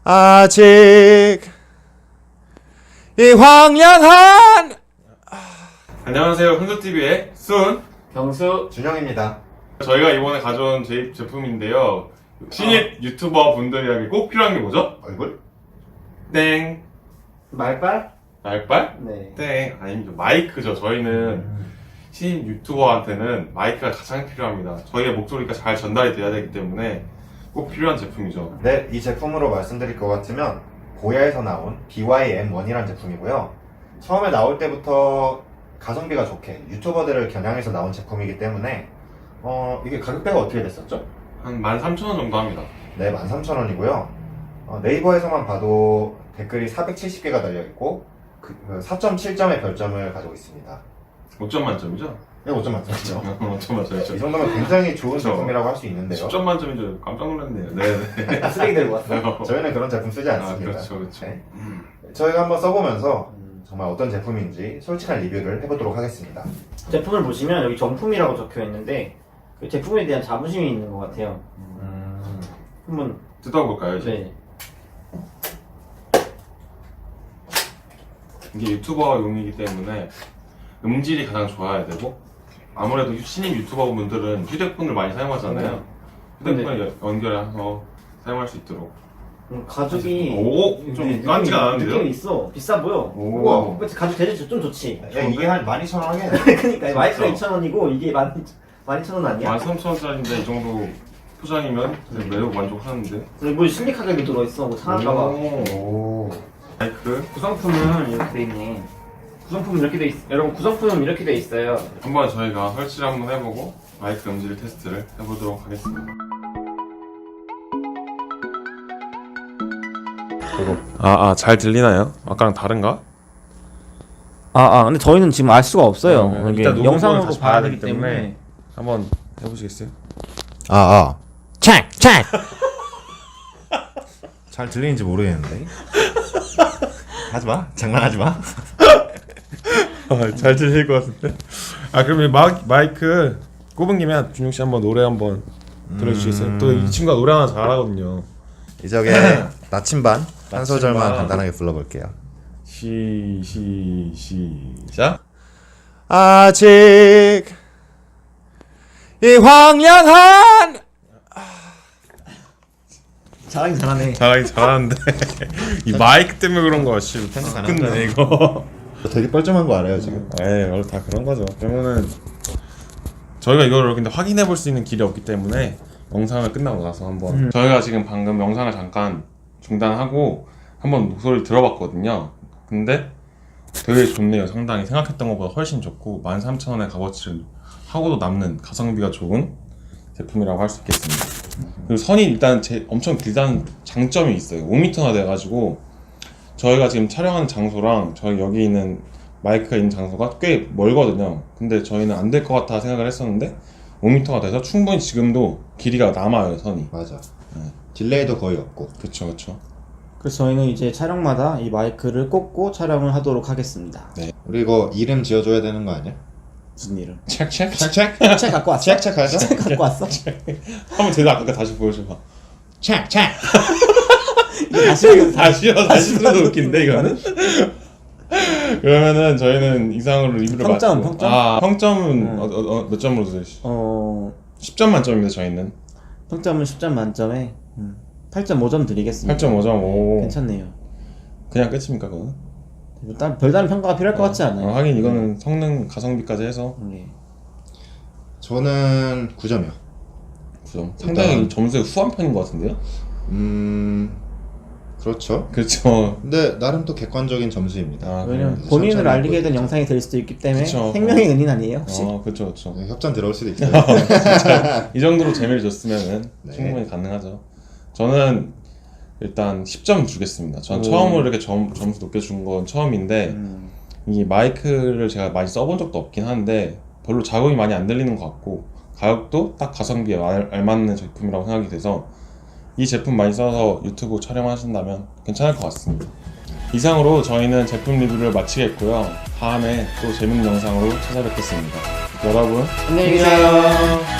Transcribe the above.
아직 이 황량한 안녕하세요. 흥조TV의 순 경수 준영입니다. 저희가 이번에 가져온 제품인데요. 신입 유튜버 분들에게 꼭 필요한 게 뭐죠? 얼굴? 땡. 말빨? 말빨? 네. 땡. 아니죠. 마이크죠. 저희는 신입 유튜버한테는 마이크가 가장 필요합니다. 저희의 목소리가 잘 전달이 돼야 되기 때문에 꼭 필요한 제품이죠. 네, 이 제품으로 말씀드릴 것 같으면 고야에서 나온 BYM1이라는 제품이고요. 처음에 나올 때부터 가성비가 좋게 유튜버들을 겨냥해서 나온 제품이기 때문에 이게 가격대가 어떻게 됐었죠? 한 13,000원 정도 합니다. 네, 13,000원이고요. 네이버에서만 봐도 댓글이 470개가 달려있고 4.7점의 별점을 가지고 있습니다. 5점 만점이죠? 네, 5점 만점이죠. 5점 만점이죠. 이 정도면 굉장히 좋은 그쵸. 제품이라고 할 수 있는데요. 10점 만점이죠. 깜짝 놀랐네요. 네네. 쓰레기 들고 왔어. 저희는 그런 제품 쓰지 않습니다. 그렇죠, 그렇죠. 네. 저희가 한번 써보면서 정말 어떤 제품인지 솔직한 리뷰를 해보도록 하겠습니다. 제품을 보시면 여기 정품이라고 적혀 있는데 그 제품에 대한 자부심이 있는 것 같아요. 한번 뜯어볼까요, 이제? 네. 이게 유튜버용이기 때문에 음질이 가장 좋아야 되고 아무래도 신입 유튜버 분들은 휴대폰을 많이 사용하잖아요. 휴대폰을 연결해서 사용할 수 있도록. 가죽이 오! 좀 깐지가 나는데요? 느낌이 있어. 비싸 보여. 오. 우와. 그치, 가죽 대체 좀 좋지. 야, 이게 한 12,000원 하겠네. 그니까 마이크가 2,000원이고 이게 12,000원 아니야? 13,000원짜리인데 이 정도 포장이면 매우 만족하는데. 근데 뭐 실리카겔도 들어있어. 뭐 상할까봐. 오. 마이크 구성품은 이렇게 돼 있네. 구성품은 이렇게 돼 있. 여러분 구성품은 이렇게 돼 있어요. 한번 저희가 설치를 한번 해보고 마이크 음질 테스트를 해보도록 하겠습니다. 잘 들리나요? 아까랑 다른가? 근데 저희는 지금 알 수가 없어요. 네, 이게 일단 녹음본을 영상으로 다시 봐야 봐야 되기 되기 때문에. 때문에. 한번 해보시겠어요? 책! 잘 들리는지 모르겠는데. 하지마. 장난하지마. 잘 들릴 것 같은데. 그럼 이 마이크 꼽은 김에 준용 씨 한번 노래 한번 들어주시겠어요? 또 이 친구가 노래 하나 잘하거든요. 이적의 나침반 한 소절만 나침반. 간단하게 불러볼게요. 시작. 아직 이 황량한 잘하긴 잘하네. 잘하긴 잘하는데 이 마이크 때문에 그런 거야. 씨, 끝내 이거. 되게 뻘쭘한 거 알아요 지금? 원래 다 그런 거죠. 그러면은 저희가 이거를 근데 확인해 볼 수 있는 길이 없기 때문에 영상을 끝나고 나서 한번 저희가 지금 방금 영상을 잠깐 중단하고 한번 목소리를 들어봤거든요. 근데 되게 좋네요. 상당히 생각했던 것보다 훨씬 좋고 13,000원의 값어치를 하고도 남는 가성비가 좋은 제품이라고 할 수 있겠습니다. 그리고 선이 일단 엄청 길다는 장점이 있어요. 5m나 돼가지고 저희가 지금 촬영하는 장소랑 저희 여기 있는 마이크가 있는 장소가 꽤 멀거든요. 근데 저희는 안 될 것 같아 생각을 했었는데 5m가 돼서 충분히 지금도 길이가 남아요, 선이. 맞아. 딜레이도 거의 없고. 그쵸. 그래서 저희는 이제 촬영마다 이 마이크를 꽂고 촬영을 하도록 하겠습니다. 우리 이거 이름 지어줘야 되는 거 아니야? 무슨 일을? 책책? 책책? 책 갖고 왔어? 책 하자? 책 갖고 왔어? 한번 제가 아까 다시 보여줘봐. 책! 다시 들어도 웃긴데 이거는? 그러면은 저희는 이상으로 리뷰를 평점, 마치고 평점? 평점은 몇 점으로 드리시죠? 10점 만점입니다. 저희는 평점은 10점 만점에 8.5점 드리겠습니다. 8.5점. 오. 괜찮네요. 그냥 끝입니까 그거는? 별다른 평가가 필요할 것 같지 않아요? 하긴 이거는 성능 가성비까지 해서 네. 저는 9점이요. 9점. 상당히 점수의 후한 편인 것 같은데요? 그렇죠. 그렇죠. 근데 나름 또 객관적인 점수입니다. 왜냐면 그래서 본인을 천천히 알리게 된 보여드리죠. 영상이 될 수도 있기 때문에 그쵸. 생명의 은인 아니에요 혹시? 그렇죠. 네, 협찬 들어올 수도 있어요. 이 정도로 재미를 줬으면은 네. 충분히 가능하죠. 저는 일단 10점 주겠습니다. 전 오. 처음으로 이렇게 점수 높게 준 건 처음인데 이 마이크를 제가 많이 써본 적도 없긴 한데 별로 자극이 많이 안 들리는 것 같고 가격도 딱 가성비에 알맞는 제품이라고 생각이 돼서 이 제품 많이 써서 유튜브 촬영하신다면 괜찮을 것 같습니다. 이상으로 저희는 제품 리뷰를 마치겠고요. 다음에 또 재밌는 영상으로 찾아뵙겠습니다. 여러분 안녕히 계세요.